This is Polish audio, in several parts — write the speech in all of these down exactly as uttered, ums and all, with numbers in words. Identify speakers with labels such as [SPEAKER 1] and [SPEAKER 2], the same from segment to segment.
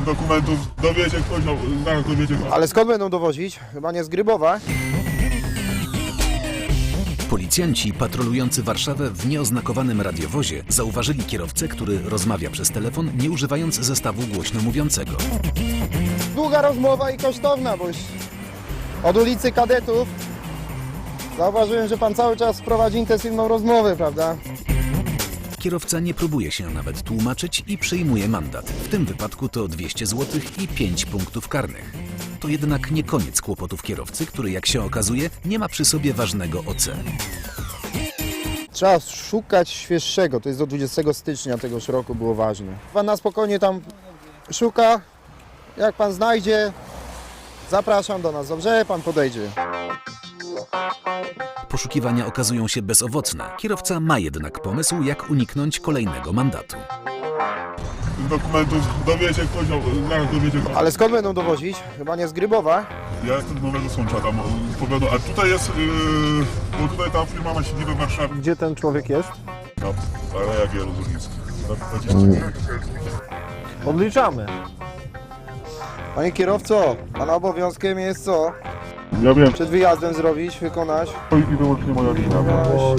[SPEAKER 1] dokumentów dowiecie ktoś, no, zaraz dowiecie ktoś.
[SPEAKER 2] Ale skąd będą dowozić? Chyba nie z Grybowa.
[SPEAKER 3] Policjanci patrolujący Warszawę w nieoznakowanym radiowozie zauważyli kierowcę, który rozmawia przez telefon, nie używając zestawu głośno mówiącego.
[SPEAKER 2] Długa rozmowa i kosztowna, bo już od ulicy Kadetów zauważyłem, że pan cały czas prowadzi intensywną rozmowę, prawda?
[SPEAKER 3] Kierowca nie próbuje się nawet tłumaczyć i przyjmuje mandat. W tym wypadku to dwieście złotych i pięć punktów karnych. To jednak nie koniec kłopotów kierowcy, który, jak się okazuje, nie ma przy sobie ważnego O C.
[SPEAKER 2] Trzeba szukać świeższego, to jest do dwudziestego stycznia tegoż roku było ważne. Pan na spokojnie tam szuka, jak pan znajdzie, zapraszam do nas, dobrze? Pan podejdzie.
[SPEAKER 3] Poszukiwania okazują się bezowocne. Kierowca ma jednak pomysł, jak uniknąć kolejnego mandatu.
[SPEAKER 1] Dokumentów dowiecie ktoś, no, zaraz dowiecie ktoś.
[SPEAKER 2] Ale skąd będą dowozić? Chyba nie z Grybowa.
[SPEAKER 1] Ja jestem z Nowego Sącza, tam powiadomo, a tutaj jest, yy, bo tutaj ta firma ma siedzibę w Warszawie.
[SPEAKER 4] Gdzie ten człowiek jest?
[SPEAKER 1] No, ale jak Jerozolimski. dwadzieścia
[SPEAKER 4] Odliczamy.
[SPEAKER 2] Panie kierowco, pana obowiązkiem jest co?
[SPEAKER 1] Ja wiem,
[SPEAKER 2] Przed wyjazdem zrobić, wykonać.
[SPEAKER 1] to i wyłącznie moja wina. Bo...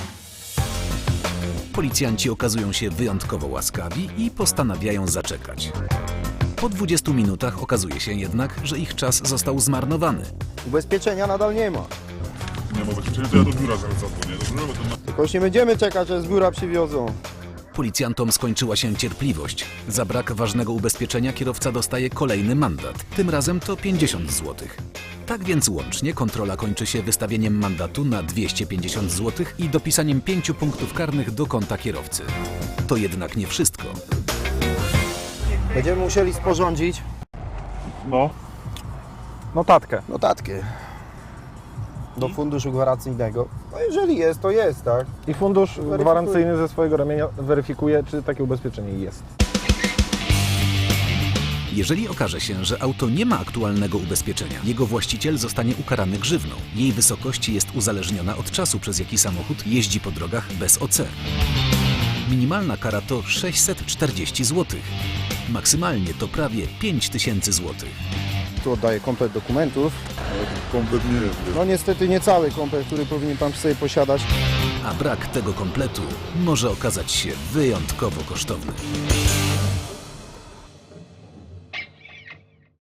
[SPEAKER 3] Policjanci okazują się wyjątkowo łaskawi i postanawiają zaczekać. Po dwudziestu minutach okazuje się jednak, że ich czas został zmarnowany.
[SPEAKER 2] Ubezpieczenia nadal nie ma.
[SPEAKER 1] Nie mogę, czyli to ja do biura zaraz zadzwonię, dobrze? Bo to na...
[SPEAKER 2] Tylko już nie będziemy czekać, aż z biura przywiozą.
[SPEAKER 3] Policjantom skończyła się cierpliwość. Za brak ważnego ubezpieczenia kierowca dostaje kolejny mandat. Tym razem to pięćdziesiąt złotych. Tak więc łącznie kontrola kończy się wystawieniem mandatu na dwieście pięćdziesiąt złotych i dopisaniem pięciu punktów karnych do konta kierowcy. To jednak nie wszystko.
[SPEAKER 2] Będziemy musieli sporządzić
[SPEAKER 1] No.
[SPEAKER 4] Notatkę.
[SPEAKER 2] notatkę do funduszu gwarancyjnego. No jeżeli jest, to jest, tak?
[SPEAKER 4] I fundusz
[SPEAKER 2] Weryfikuję.
[SPEAKER 4] gwarancyjny ze swojego ramienia weryfikuje, czy takie ubezpieczenie jest.
[SPEAKER 3] Jeżeli okaże się, że auto nie ma aktualnego ubezpieczenia, jego właściciel zostanie ukarany grzywną. Jej wysokość jest uzależniona od czasu, przez jaki samochód jeździ po drogach bez O C. Minimalna kara to sześćset czterdzieści złotych. Maksymalnie to prawie pięć tysięcy złotych.
[SPEAKER 2] Tu oddaję komplet dokumentów.
[SPEAKER 1] Kompletnie nie wiem.
[SPEAKER 2] No niestety nie cały komplet, który powinien pan sobie posiadać.
[SPEAKER 3] A brak tego kompletu może okazać się wyjątkowo kosztowny.